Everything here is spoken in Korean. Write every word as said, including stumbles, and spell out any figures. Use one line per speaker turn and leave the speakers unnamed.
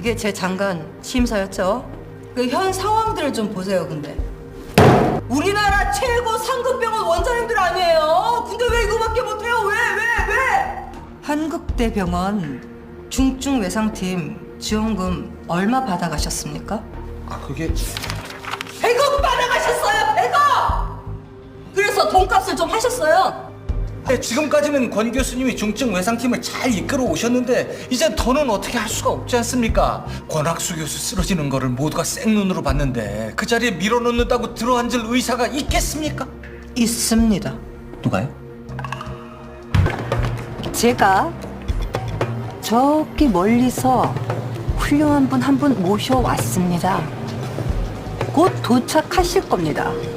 이게 제 장관 취임사였죠. 그 현 상황들을 좀 보세요. 근데 우리나라 최고 상급병원 원장님들 아니에요? 근데 왜 이거밖에 못해요? 왜 왜 왜? 한국대병원 중증 외상팀 지원금 얼마 받아가셨습니까?
아 그게
백억 받아가셨어요. 백억! 그래서 돈값을 좀 하셨어요.
네, 지금까지는 권 교수님이 중증 외상팀을 잘 이끌어 오셨는데 이제 더는 어떻게 할 수가 없지 않습니까? 권학수 교수 쓰러지는 거를 모두가 생눈으로 봤는데 그 자리에 밀어넣는다고 들어앉을 의사가 있겠습니까?
있습니다.
누가요?
제가 저기 멀리서 훌륭한 분 한 분 모셔왔습니다. 곧 도착하실 겁니다.